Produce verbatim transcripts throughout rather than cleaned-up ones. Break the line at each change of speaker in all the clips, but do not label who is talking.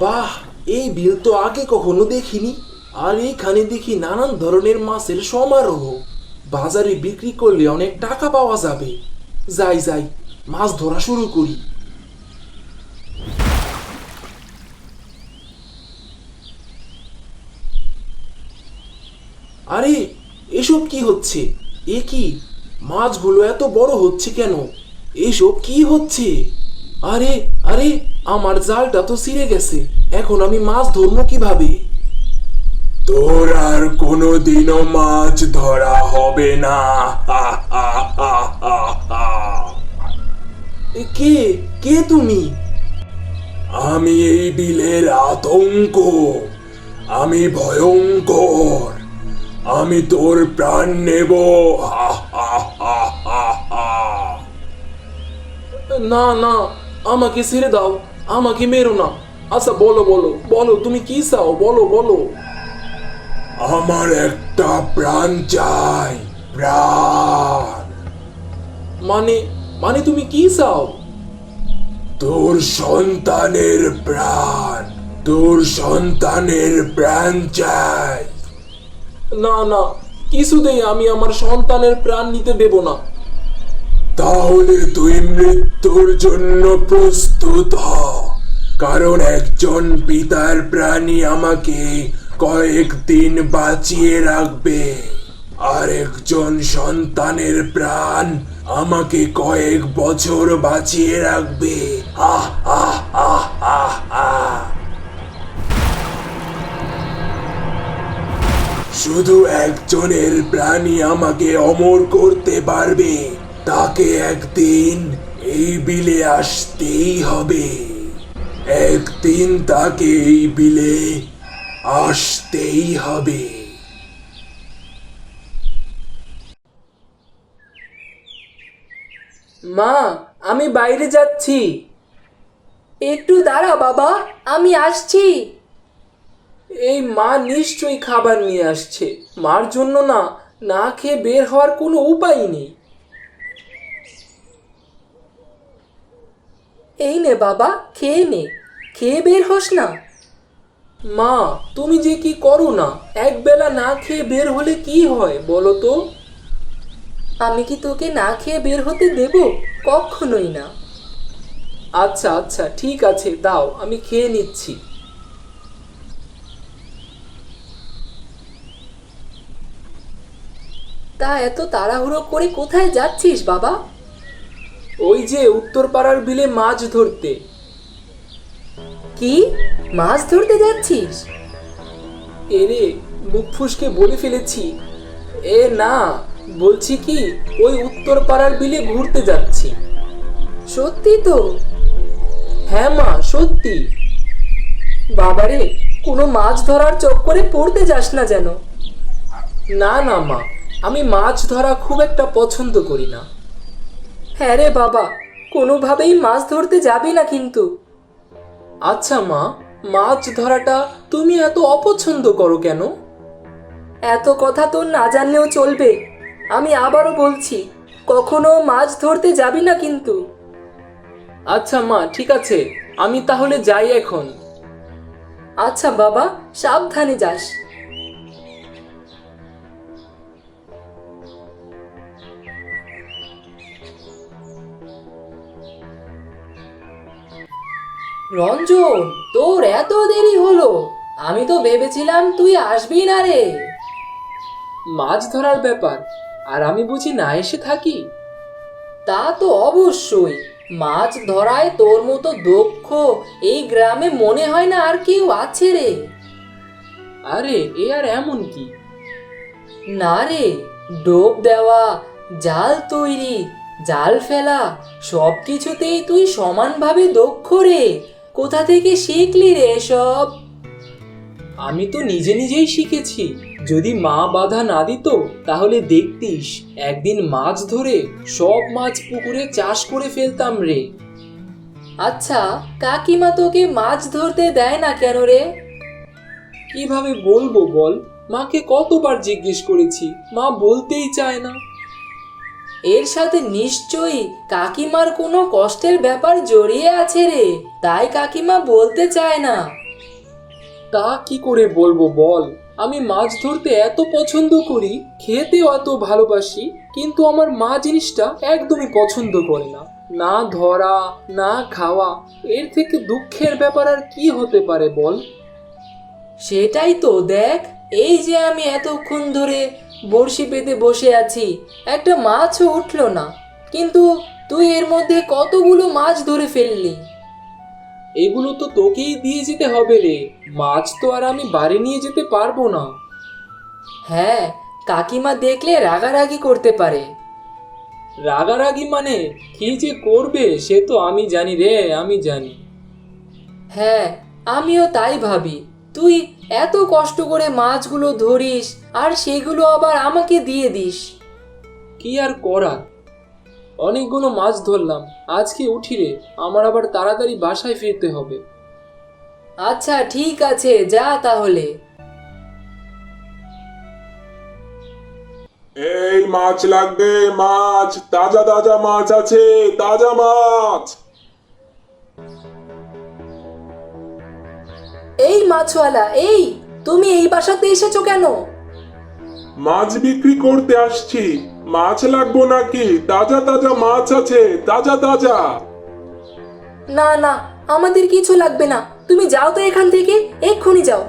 বাহ, এই বিল তো আগে কখনো দেখিনি। আর এখানে দেখি নানান ধরনের মাছের সমারোহ। বাজারে বিক্রি করলে অনেক টাকা পাওয়া যাবে। যাই যাই, মাছ ধরা শুরু করি। আরে, এসব কি হচ্ছে? এ কি, মাছগুলো এত বড় হচ্ছে কেন? এসব কি হচ্ছে? আরে আরে, আমার জালটা তো ছিঁড়ে গেছে। এখন আমি মাছ ধরবো কিভাবে?
তোর আর কোনোদিনও মাছ ধরা হবে না। হা, হা, হা, হা, হা।
এ কে কে তুমি?
আমি এই বিলের আতঙ্ক। আমি ভয়ঙ্কর। আমি তোর প্রাণ নেব। হা, হা, হা, হা, হা।
না না, আমাকে ছেড়ে দাও। আমাকে মেরো না। আচ্ছা, বলো বলো বলো, তুমি কি চাও? বলো বলো।
আমার একটা প্রাণ চাই। প্রাণ।
মানে মানে তুমি কি চাও?
তোর সন্তানের প্রাণ। তোর সন্তানের প্রাণ চাই।
না না, কিছুতেই আমি আমার সন্তানের প্রাণ নিতে দেব না।
তাহলে তুই মৃত্যুর জন্য প্রস্তুত হ। কারণ একজন পিতার প্রাণী আমাকে কয়েকদিন বাঁচিয়ে রাখবে, আর একজন সন্তানের প্রাণ আমাকে কয়েক বছর বাঁচিয়ে রাখবে। আহ আহ আহ আহ আহ। শুধু একজনের প্রাণী আমাকে অমর করতে পারবে। তাকে একদিন এই বিলে আসতেই হবে। একদিন তাকে এই বিলে আসতেই হবে।
মা, আমি বাইরে যাচ্ছি।
একটু দাঁড়া বাবা, আমি আসছি।
এই মা নিশ্চয়ই খাবার নিয়ে আসছে। মার জন্য না না খেয়ে বের হওয়ার কোনো উপায় নেই।
এই নে বাবা, খেয়ে নে। খেয়ে বের হোস না।
মা, তুমি যে কি করো না! একবেলা না খেয়ে বের হলে কি হয় বলো তো?
আমি কি তোকে না খেয়ে বের হতে দেব? কখনোই না।
আচ্ছা আচ্ছা, ঠিক আছে, দাও, আমি খেয়ে নিচ্ছি।
তা এত তাড়াহুড়ো করে কোথায় যাচ্ছিস বাবা?
ওই যে উত্তর পাড়ার বিলে মাছ ধরতে।
কি, মাছ ধরতে যাচ্ছিস?
এরে, মুখ ফুসকে বলে ফেলেছি। এ না, বলছি কি, ওই উত্তর পাড়ার বিলে ঘুরতে যাচ্ছি।
সত্যি তো?
হ্যাঁ মা, সত্যি।
বাবারে, কোনো মাছ ধরার চক্করে পড়তে যাস না যেন।
না না মা, আমি মাছ ধরা খুব একটা পছন্দ করি না।
হ্যাঁ রে বাবা, কোনোভাবেই মাছ ধরতে যাবি না কিন্তু।
আচ্ছা মা, মাছ ধরাটা তুমি এত অপছন্দ করো কেন?
এত কথা তোর না জানলেও চলবে। আমি আবারও বলছি, কখনো মাছ ধরতে যাবি না কিন্তু।
আচ্ছা মা, ঠিক আছে, আমি তাহলে যাই এখন।
আচ্ছা বাবা, সাবধানে যাস। রঞ্জন, তোর এত দেরি হলো? আমি তো ভেবেছিলাম তুই আসবি না রে।
মাছ ধরার ব্যাপার, আর আমি বুঝি না এসে থাকি?
তা তো অবশ্যই। মাছ ধরায় তোর মতো দক্ষ এই গ্রামে মনে হয় না আর কেউ আছে রে।
আরে, এ আর এমন কি!
না রে, ডোব দেওয়া, জাল তৈরি, জাল ফেলা, সব কিছুতেই তুই সমানভাবে দক্ষ রে। কোথা থেকে শিখলি রে এসব?
আমি তো নিজে নিজেই শিখেছি। যদি মা বাধা না দিত তাহলে দেখতিস একদিন মাছ ধরে সব মাছ পুকুরে চাষ করে ফেলতাম রে।
আচ্ছা, কাকিমা তোকে মাছ ধরতে দেয় না কেন রে?
কিভাবে বলবো বল? মাকে কতবার জিজ্ঞেস করেছি, মা বলতেই চায় না।
এর সাথে নিশ্চয়ই কাকিমার কোনো কষ্টের ব্যাপার জড়িয়ে আছে রে, তাই কাকিমা বলতে চায় না।
তা কি করে বলবো বল, আমি মাছ ধরতে এত পছন্দ করি, খেতেও এত ভালোবাসি, কিন্তু আমার মা জিনিসটা একদমই পছন্দ করে না। না ধরা না খাওয়া, এর থেকে দুঃখের ব্যাপার আর কি হতে পারে বল।
সেটাই তো দেখ, এই যে আমি এতক্ষণ ধরে বড়শি পেতে বসে আছি, একটা মাছও উঠলো না, কিন্তু তুই এর মধ্যে কতগুলো মাছ ধরে ফেললি।
এগুলো তো তোকেই দিয়ে যেতে হবে রে, মাছ তো আর আমি বাড়ি নিয়ে যেতে পারবো না।
হ্যাঁ, কাকিমা দেখলে রাগারাগি করতে পারে।
রাগারাগি মানে কি যে করবে সে তো আমি জানি রে, আমি জানি।
হ্যাঁ, আমিও তাই ভাবি, তুই এত কষ্ট করে মাছগুলো ধরিস আর সেগুলো আবার আমাকে দিয়ে দিস।
কি আর করা, অনেকগুলো মাছ ধরলাম, আজকে উঠি রে, আমার আবার তাড়াতাড়ি বাসায় ফিরতে হবে।
আচ্ছা ঠিক আছে, যা তাহলে।
এই মাছ লাগবে, মাছ, তাজা তাজা মাছ আছে, তাজা মাছ।
এই মাছওয়ালা, এই তুমি এই বাসাতে এসেছো কেন?
মাছ বিক্রি করতে আসছি, মাছ লাগবো নাকি? তাজা তাজা মাছ আছে, তাজা তাজা।
না না, আমাদের কিছু লাগবে না, তুমি যাও তো এখান থেকে, এক্ষুনি যাও।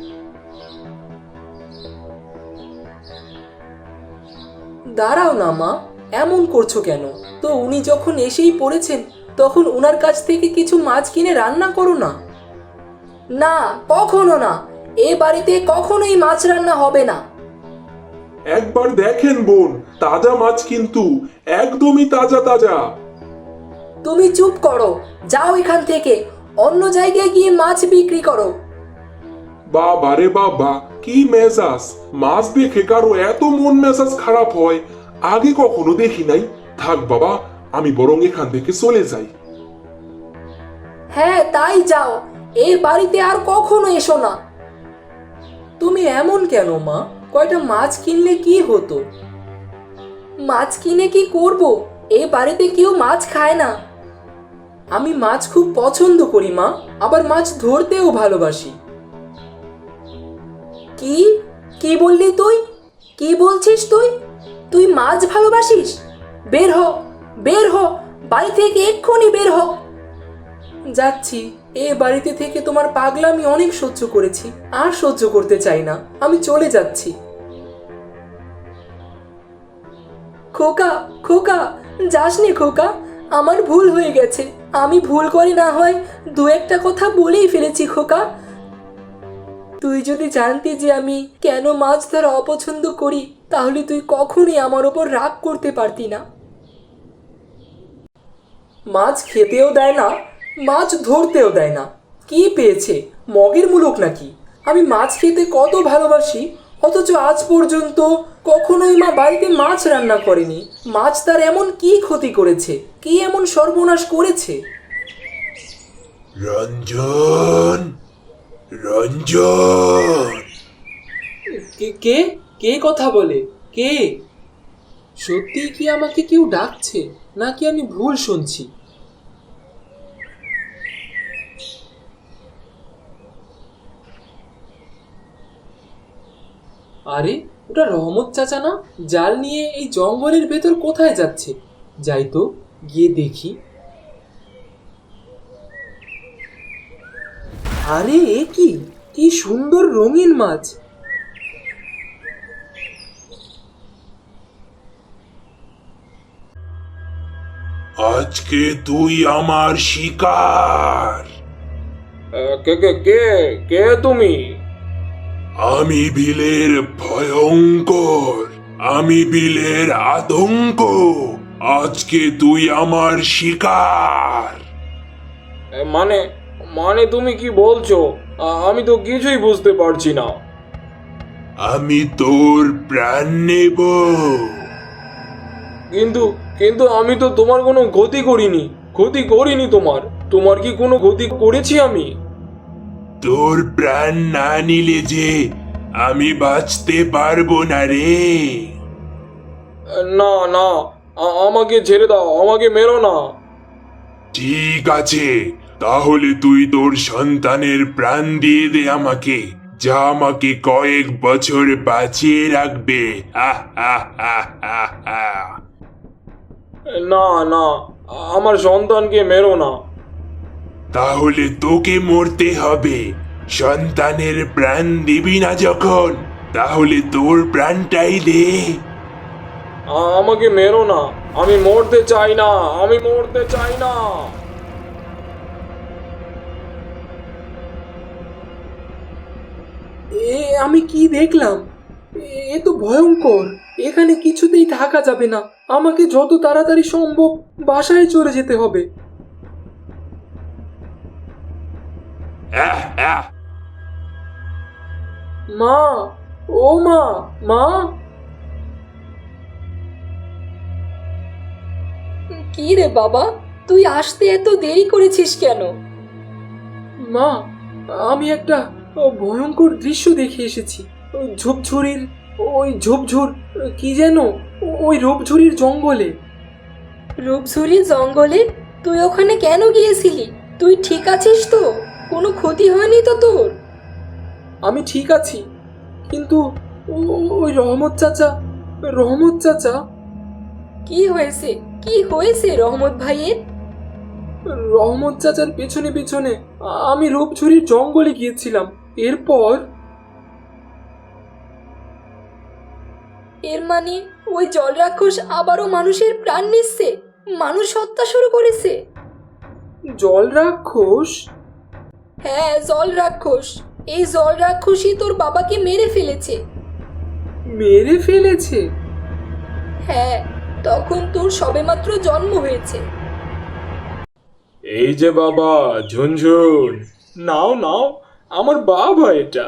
দাঁড়াও না মা, এমন করছো কেন? তো উনি যখন এসেই পড়েছেন, তখন উনার কাছ থেকে কিছু মাছ কিনে রান্না করো না। না, কখনো না, এ বাড়িতে কখনোই মাছ রান্না হবে না।
একবার দেখেন বোন, তাজা মাছ কিন্তু, একদমই তাজা তাজা।
তুমি চুপ করো, যাও এখান থেকে, অন্য জায়গায় গিয়ে মাছ বিক্রি করো।
বাবা রে বাবা, কি মেজাজ! মাছ দেখে কারো এত মন মেজাজ খারাপ হয় আগে কখনো দেখি নাই। থাক বাবা, আমি বরং এখান থেকে চলে যাই।
হ্যাঁ তাই যাও, এ বাড়িতে আর কখনো এসো না। তুমি এমন কেন মা? কয়টা মাছ কিনলে কি হতো? মাছ কিনে কি করব? এ বাড়িতে কেউ মাছ খায় না। আমি মাছ খুব পছন্দ করি মা, আবার মাছ ধরতেও ভালোবাসি। কি কি বললি তুই? কি বলছিস তুই? তুই মাছ ভালোবাসিস? বের হ, বের হ, বাড়ি থেকে এক্ষুনি বের হ। যাচ্ছি, এ বাড়িতে থেকে তোমার পাগলামি অনেক সহ্য করেছি, আর সহ্য করতে চাই না, আমি চলে যাচ্ছি। খোকা, খোকা, যাসনি খোকা, আমার ভুল হয়ে গেছে, আমি ভুল করে না হয় দু একটা কথা বলেই ফেলেছি খোকা। তুই যদি জানতি যে আমি কেন মাছ ধরা অপছন্দ করি, তাহলে তুই কখনোই আমার ওপর রাগ করতে পারতি না। মাছ খেতেও দেয় না, মাছ ধরতেও দেয় না, কি পেয়েছে, মগের মুলুক নাকি? আমি মাছ খেতে কত ভালোবাসি, অথচ আজ পর্যন্ত কখনোই মা বাড়িতে মাছ রান্না করেনি। মাছ তার এমন কি ক্ষতি করেছে, কি এমন সর্বনাশ করেছে?
রঞ্জন, রঞ্জন।
কে কে কে কথা বলে? কে? সত্যি কি আমাকে কেউ ডাকছে, নাকি আমি ভুল শুনছি? আরে, ওটা রহমত চাচা না? জাল নিয়ে এই জঙ্গলের ভেতর কোথায় যাচ্ছে? যাই তো, গিয়ে দেখি। আরে এ কি, কি সুন্দর রঙিন মাছ!
আজকে তুই আমার শিকার।
কে কে কে কে তুমি?
আমি বিলের ভয়ঙ্কর, আমি বিলের আতঙ্ক। আজকে তুই আমার শিকার।
মানে মানে তুমি কি বলছো? আমি তো কিছুই বুঝতে পারছি না।
আমি তোর প্রাণ নেব।
কিন্তু কিন্তু আমি তো তোমার কোনো ক্ষতি করিনি, ক্ষতি করিনি তোমার। তোমার কি কোনো ক্ষতি করেছি আমি?
তোর প্রাণ না নিলে যে আমি বাঁচতে পারবো না রে।
না না, আমাকে ছেড়ে দাও, আমাকে মেরো না।
ঠিক আছে, তাহলে তুই তোর সন্তানের প্রাণ দিয়ে দে আমাকে, যা আমাকে কয়েক বছর বাঁচিয়ে রাখবে। আহ, আহ, আহ, আহ, আহ।
না না, আমার সন্তানকে মেরো না।
তাহলে তোকে মরতে হবে। সন্তানের প্রাণ দিবি না যখন, তাহলে তোর প্রাণটাই দে।
আমাকে মেরো না, আমি মরতে চাই না, আমি মরতে চাই না। এ আমি কি দেখলাম? এ তো ভয়ঙ্কর। এখানে কিছুতেই থাকা যাবে না। আমাকে যত তাড়াতাড়ি সম্ভব বাসায় চলে যেতে হবে।
আহ, আহ।
মা, ও মা, মা।
কি রে বাবা, তুই আসতে এত দেরি করেছিস কেন?
মা, আমি একটা ভয়ঙ্কর দৃশ্য দেখে এসেছি। ওই ঝোপঝুরির ওই ঝোপঝুর কি যেন, ওই রূপঝুরির জঙ্গলে।
রূপঝুরি জঙ্গলে? তুই ওখানে কেন গিয়েছিলি? তুই ঠিক আছিস তো? কোনো ক্ষতি হয়নি তো তোর?
আমি ঠিক আছি, কিন্তু ও- ওই রহমত চাচা, রহমত চাচা।
কি হয়েছে? কি হয়েছে রহমত ভাইয়ের?
রহমত চাচার পেছনে পেছনে আমি রূপঝুরির জঙ্গলে গিয়েছিলাম। এরপর
এর মানে ওই জল রাক্ষস আবারও মানুষের প্রাণ নিচ্ছে, মানুষ হত্যা শুরু করেছে।
জল রাক্ষস?
হ্যাঁ, জল রাক্ষস। এই জল রাক্ষসই তোর বাবাকে মেরে ফেলেছে।
মেরে ফেলেছে?
হ্যাঁ, তখন তোর সবেমাত্র জন্ম হয়েছে।
এই যে বাবা, ঝুনঝুন, নাও নাও, আমার বাবা এটা।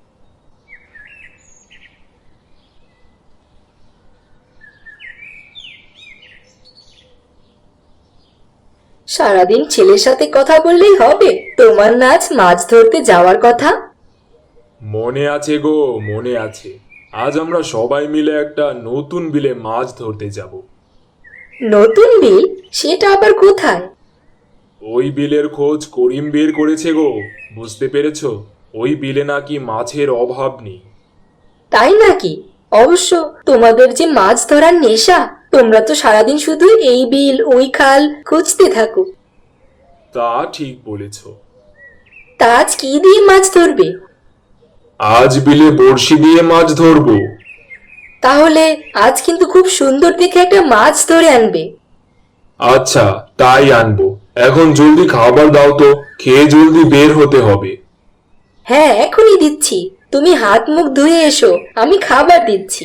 সারাদিন ছেলের সাথে কথা বললেই হবে? তোমার নাচ মাছ ধরতে যাওয়ার কথা।
মনে আছে গো, মনে আছে। আজ আমরা সবাই মিলে একটা নতুন বিলে মাছ ধরতে যাব।
নতুন বিল? সেটা আবার কোথায়?
ওই বিলের খোঁজ করিম বের করেছে গো, বুঝতে পেরেছো? ওই বিলে নাকি মাছের অভাব নেই।
তাই নাকি? অবশ্য তোমাদের যে মাছ ধরার নেশা, তোমরা তো সারাদিন শুধু এই বিল ওই খাল খুঁজতে থাকো।
তা ঠিক বলেছ।
তা আজ কি দিয়ে মাছ ধরবে?
আজ বিলে বড়শি দিয়ে মাছ ধরবো।
তাহলে আজ কিন্তু খুব সুন্দর দেখে একটা মাছ ধরে আনবে।
আচ্ছা, তাই আনবো। এখন জলদি খাবার দাও তো, খেয়ে জলদি বের হতে হবে।
হ্যাঁ, এখনই দিচ্ছি। তুমি হাত মুখ ধুয়ে এসো, আমি খাবার দিচ্ছি।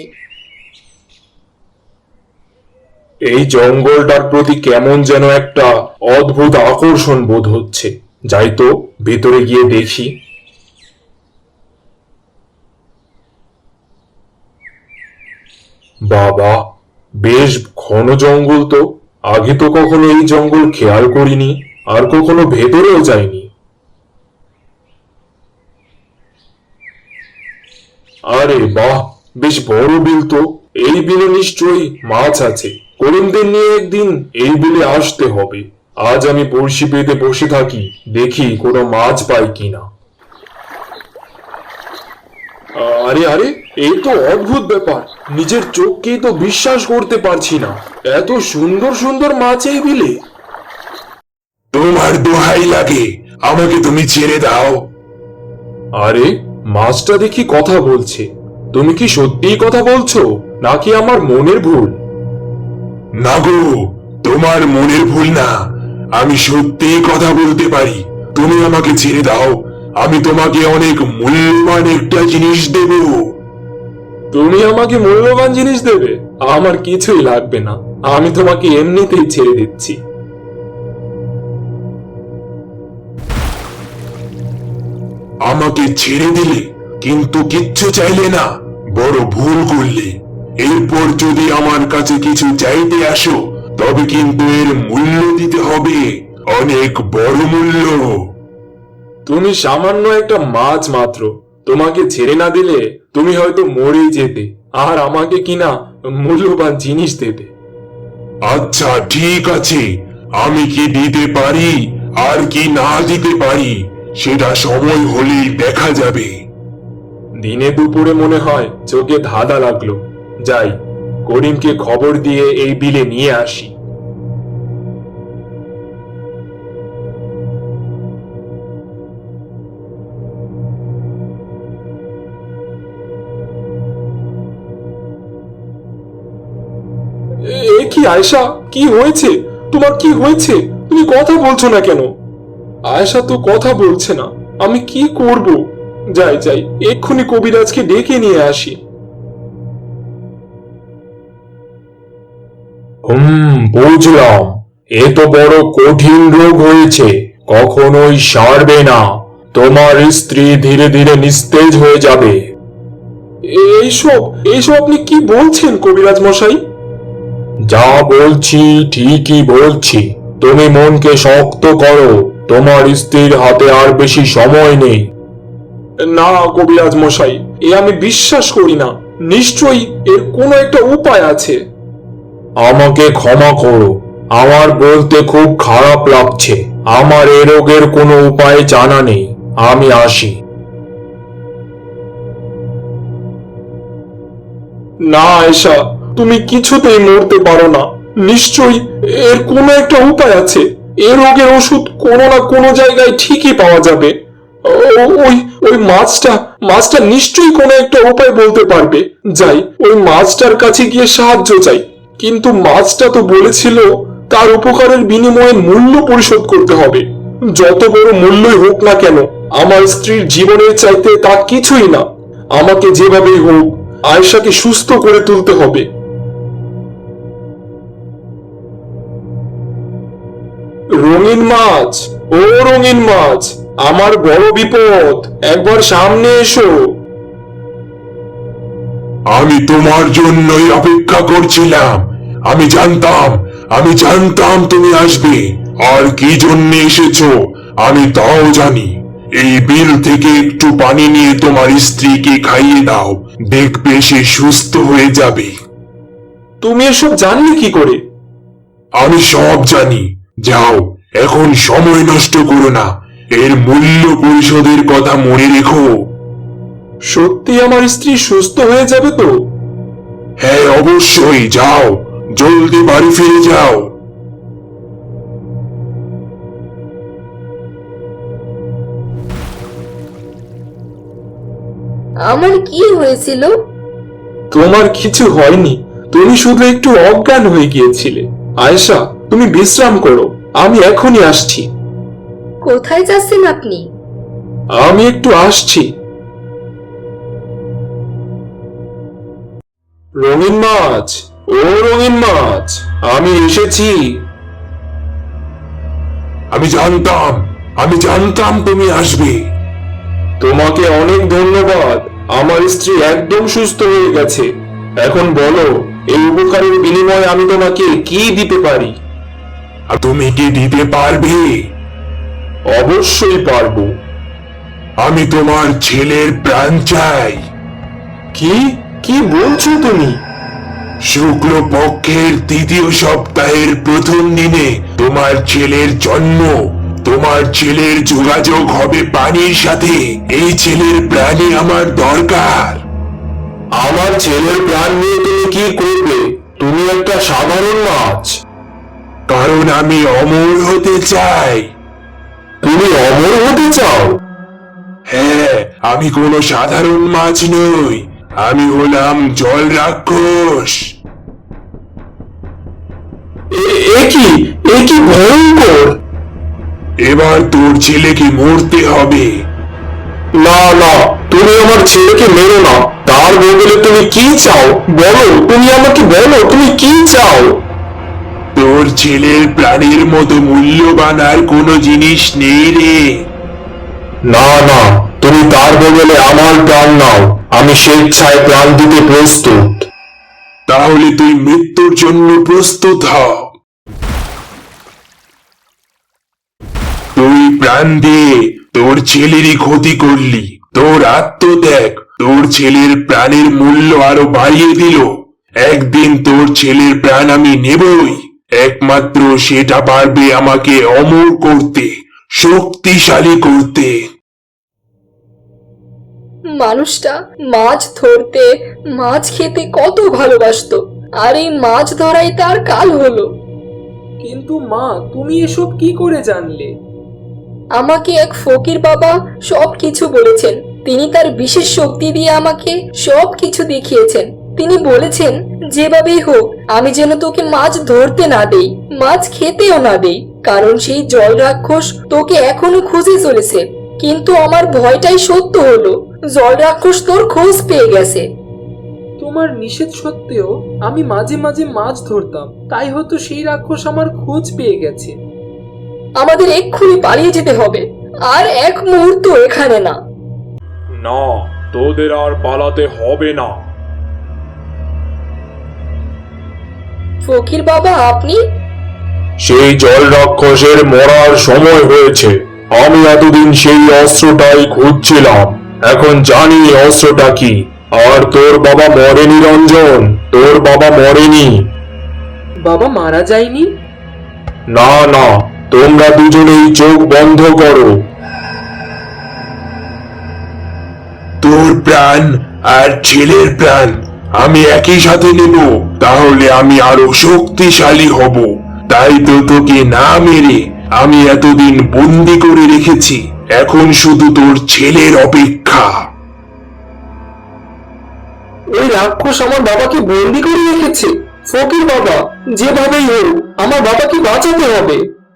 এই জঙ্গলটার প্রতি কেমন যেন একটা অদ্ভুত আকর্ষণ বোধ হচ্ছে। যাই তো, ভেতরে গিয়ে দেখি। বাবা, বেশ ঘন জঙ্গল তো। আগে তো কখনো এই জঙ্গল খেয়াল করিনি, আর কখনো ভেতরেও যাইনি। আরে বাহ, বেশ বড় বিল তো। এই বিলে নিশ্চয়ই মাছ আছে। করিমদের নিয়ে একদিন এই বিলে আসতে হবে। আজ আমি বড়শি পেতে বসে থাকি, দেখি কোনো মাছ পাই কিনা। আরে আরে, এই তো অদ্ভুত ব্যাপার। নিজের চোখকেই তো বিশ্বাস করতে পারছি না। এত সুন্দর সুন্দর মাছ এই বিলে।
তোমার দোহাই লাগে, আমাকে তুমি ছেড়ে দাও।
আরে, মাছটা দেখি কথা বলছে। তুমি কি সত্যিই কথা বলছো, নাকি আমার মনের ভুল?
না গো, তোমার মনের ভুল না, আমি সত্যিই কথা বলতে পারি। তুমি আমাকে ছেড়ে দাও, আমি তোমাকে অনেক মূল্যবান একটা জিনিস দেব।
তুমি আমাকে মূল্যবান জিনিস দেবে? আমার কিছুই লাগবে না, আমি তোমাকে এমনিতেই ছেড়ে দিচ্ছি।
আমাকে ছেড়ে দিলে, কিন্তু কিচ্ছু চাইলে না। বড় ভুল করলে। এরপর যদি আমার কাছে কিছু চাইতে আসো, তবে কিন্তু এর মূল্য দিতে হবে, অনেক বড় মূল্য।
তুমি সামান্য একটা মাছ মাত্র। তোমাকে ছেড়ে না দিলে তুমি হয়তো মরেই যেতে, আর আমাকে কিনা মূল্যবান জিনিস দেবে।
আচ্ছা ঠিক আছে, আমি কি দিতে পারি আর কি না দিতে পারি সেটা সময় হলেই দেখা যাবে।
দিনে দুপুরে মনে হয় চোখে ধাঁধা লাগলো। যাই, করিমকে খবর দিয়ে এই বিলে নিয়ে আসি। এ কি আয়েশা, কি হয়েছে তোমার? কি হয়েছে? তুমি কথা বলছো না কেন? আয়েশা তো কথা বলছে না, আমি কি করব? যাই যাই, এক্ষুনি কবিরাজকে ডেকে নিয়ে আসি। হুম, বুঝলাম। এ তো বড় কঠিন রোগ হয়েছে, কখনোই সারবে না। তোমার স্ত্রী ধীরে ধীরে নিস্তেজ হয়ে যাবে। এইসব এইসব আপনি কি বলছেন কবিরাজ মশাই? যা বলছি ঠিকই বলছি। তুমি মনকে শক্ত করো, তোমার স্ত্রীর হাতে আর বেশি সময় নেই। না কবিরাজ মশাই, এ আমি বিশ্বাস করি না। নিশ্চয়ই এর কোনো একটা উপায় আছে। আমাকে ক্ষমা করো, আমার বলতে খুব খারাপ লাগছে। আমার এ রোগের কোনো উপায় জানা নেই। আমি আসি। না আয়েশা, তুমি কিছুতেই মরতে পারো না। নিশ্চয়ই এর কোনো একটা উপায় আছে। এ রোগের ওষুধ কোনো না কোনো জায়গায় ঠিকই পাওয়া যাবে। ও- ওই ওই মাছটা মাছটা নিশ্চয়ই কোনো একটা উপায় বলতে পারবে। যাই, ওই মাছটার কাছে গিয়ে সাহায্য চাই। কিন্তু মাছটা তো বলেছিল তার উপকারের বিনিময়ে মূল্য পরিশোধ করতে হবে। যত বড় মূল্যই হোক না কেন, আমার স্ত্রীর জীবনের চাইতে তা কিছুই না। আমাকে যেভাবেই হোক আয়েশাকে সুস্থ করে তুলতে হবে। রঙিন মাছ, ও রঙিন মাছ, আমার বড় বিপদ, একবার সামনে এসো।
আমি তোমার জন্যই অপেক্ষা করছিলাম। আমি জানতাম আমি জানতাম তুমি আসবে। আর কি জন্য এসেছো আমি তাও জানি। এই বিল থেকে একটু পানি নিয়ে তোমার স্ত্রীকে খাইয়ে দাও, দেখবে সে সুস্থ হয়ে যাবে।
তুমি এসব জানলে কি করে?
আমি সব জানি। যাও, এখন সময় নষ্ট করো না। এর মূল্য পরিশোধের কথা মনে রেখো।
সত্যি আমার স্ত্রী সুস্থ হয়ে যাবে তো?
হ্যাঁ, অবশ্যই। যাও, জলদি বাড়ি ফিরে যাও।
আমার কি হয়েছিল?
তোমার কিছু হয়নি, তুমি শুধু একটু অজ্ঞান হয়ে গিয়েছিলে। আয়েশা, তুমি বিশ্রাম করো, আমি এখনই আসছি।
কোথায় যাচ্ছেন আপনি?
আমি একটু আসছি। রঙিন মাছ, ও রঙিন মাছ, আমি এসেছি।
আমি জানতাম আমি জানতাম তুমি আসবে।
তোমাকে অনেক ধন্যবাদ। আমার স্ত্রী একদম সুস্থ হয়ে গেছে। এখন বলো, এই উপকারের বিনিময়ে আমি তোমাকে কি দিতে পারি?
আর তুমি কি দিতে পারবে?
অবশ্যই পারবো।
আমি তোমার ছেলের প্রাণ চাই।
কি কি বলছো তুমি?
শুক্ল পক্ষের তৃতীয় সপ্তাহের প্রথম দিনে তোমার ছেলের জন্ম। তোমার ছেলের যোগাযোগ হবে পানির সাথে। এই ছেলের প্রাণই আমার দরকার।
আমার ছেলের প্রাণ নিয়ে তুমি কি করবে? তুমি একটা সাধারণ মাছ।
কারণ আমি অমর হতে চাই।
তুমি অমর হতে চাও?
হ্যাঁ, আমি কোনো সাধারণ মাছ নই। আমি হলাম জল রাক্ষস।
এ- এ কি এ কি ভয়ঙ্কর!
এবার তোর ছেলেকে মরতে হবে।
না না, তুমি আমার ছেলেকে মেরো না। তার বদলে তুমি কি চাও বলো? তুমি আমাকে বলো, তুমি কি চাও?
তোর ছেলের প্রাণের মতো মূল্যবান আর কোনো জিনিস নেই রে।
না না, তুমি তার বদলে আমার প্রাণ নাও। আমি স্বেচ্ছায় প্রাণ দিতে প্রস্তুত।
তাহলে তুই মৃত্যুর জন্য প্রস্তুত হ। তুই প্রাণ দিয়ে তোর ছেলেরই ক্ষতি করলি। তোর আত্মত্যাগ তোর ছেলের প্রাণের মূল্য আরো বাড়িয়ে দিল। একদিন তোর ছেলের প্রাণ আমি নেবই। একমাত্র সেটা পারবে আমাকে অমর করতে, শক্তিশালী করতে।
মানুষটা মাছ ধরতে মাছ খেতে কত ভালোবাসতো, আর এই মাছ ধরাই তার কাল হলো।
কিন্তু মা, তুমি এসব কি করে জানলে?
আমাকে এক ফকির বাবা সব কিছু বলেছেন। তিনি তার বিশেষ শক্তি দিয়ে আমাকে সব কিছু দেখিয়েছেন। তিনি বলেছেন, যেভাবেই হোক আমি যেন তোকে মাছ ধরতে না দেই, মাছ খেতেও না দেই, কারণ সেই জল রাক্ষস তোকে এখনো খুঁজে চলেছে। কিন্তু আমার ভয়টাই সত্য হলো, জল রাক্ষস তোর খোঁজ পেয়ে গেছে।
তোমার নিষেধ সত্ত্বেও আমি মাঝে মাঝে মাছ ধরতাম, তাই হয়তো সেই রাক্ষস আমার খোঁজ পেয়ে গেছে।
আমাদের এক্ষুনি পালিয়ে যেতে হবে, আর এক মুহূর্ত এখানে না।
না, তোদের আর পালাতে হবে না।
ফকির বাবা, আপনি?
সেই জল রাক্ষসের মরার সময় হয়েছে। আমি এতদিন সেই অস্ত্রটাই খুঁজছিলাম, এখন জানি অস্ত্রটা কি। আর তোর বাবা মরেনি রঞ্জন, তোর বাবা মরেনি।
বাবা মারা যায়নি?
না না, তোমরা দুজনেই চোখ বন্ধ করো।
তোর প্রাণ আর ছেলের প্রাণ আমি একই সাথে নেব, তাহলে আমি আরো শক্তিশালী হব। তাই তো তোকে না মেরে আমি এতদিন বন্দি করে রেখেছি, এখন শুধু তোর ছেলের অপেক্ষা।
ওই রাক্ষস আমার বাবাকে বন্দি করে রেখেছে। ফকির বাবা, যেভাবেই হোক আমার বাবাকে বাঁচাতে হবে।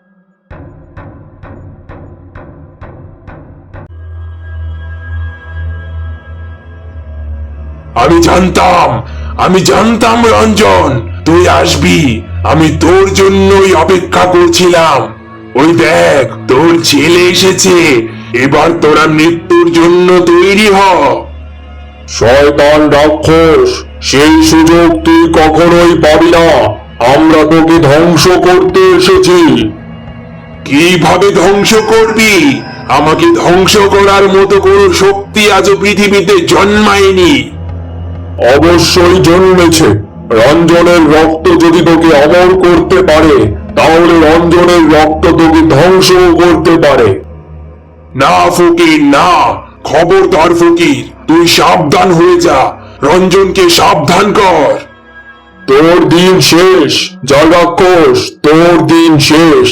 আমি জানতাম, আমি জানতাম রঞ্জন তুই আসবি। আমি তোর জন্যই অপেক্ষা করছিলাম। ওই দেখ, তোর ছেলে এসেছে। এবার তোরা মৃত্যুর জন্য তৈরি হ।
শয়তান রাক্ষস, সেই সুযোগ তুই কখনোই পাবি না। আমরা তোকে ধ্বংস করতে এসেছি।
কিভাবে ধ্বংস করবি? আমাকে ধ্বংস করার মতো কোনো শক্তি আজও পৃথিবীতে জন্মায়নি।
অবশ্যই জন্মেছে। রঞ্জনের রক্ত যদি তোকে অমর করতে পারে, তাহলে রঞ্জনের রক্ত তোকে ধ্বংস করতে পারে।
না ফকির, না, খবরদার ফকির, তুই সাবধান হয়ে যা। রঞ্জনকে সাবধান কর।
তোর দিন শেষ জল রাক্ষস, তোর দিন শেষ।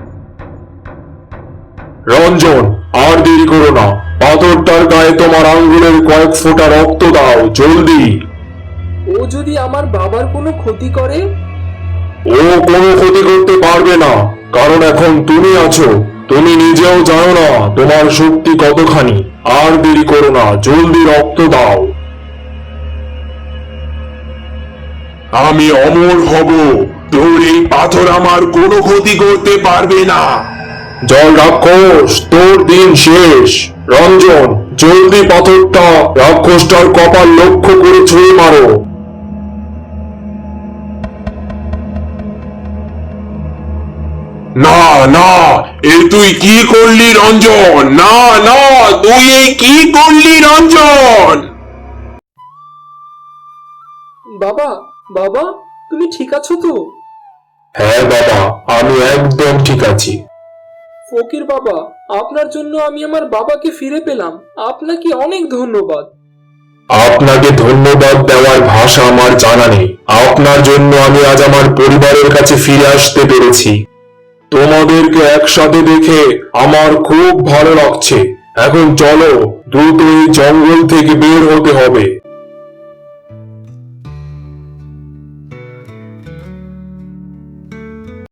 রঞ্জন, আর দেরি করো না। পাথরটার গায়ে তোমার আঙ্গুলের কয়েক ফোঁটা রক্ত দাও, জলদি।
ও যদি আমার বাবার কোনো ক্ষতি করে?
ও কোনো ক্ষতি করতে পারবে না, কারণ এখন তুমি আছো। তুমি নিজেও জানো না তোমার শক্তি কতখানি। আর দেরি করো না, জলদি রক্ত দাও।
আমি অমর হব, তোর এই পাথর আমার কোনো ক্ষতি করতে পারবে না।
জল রাক্ষস, তোর দিন শেষ। রঞ্জন, জলদি পাথরটা রাক্ষসটার কপাল লক্ষ্য করে ছুঁড়ে মারো।
না না, এ তুই কি করলি রঞ্জন? না না, তুই এই কি করলি রঞ্জন?
বাবা, বাবা, তুমি ঠিক আছো তো?
হ্যাঁ বাবা, আমি একদম ঠিক আছি।
ফকির বাবা, আপনার জন্য আমি আমার বাবাকে ফিরে পেলাম। আপনাকে অনেক ধন্যবাদ।
আপনাকে ধন্যবাদ দেওয়ার ভাষা আমার জানা নেই। আপনার জন্য আমি আজ আমার পরিবারের কাছে ফিরে আসতে পেরেছি। তোমাদেরকে একসাথে দেখে আমার খুব ভালো লাগছে। এখন চলো, দ্রুত এই জঙ্গল থেকে বের হতে হবে।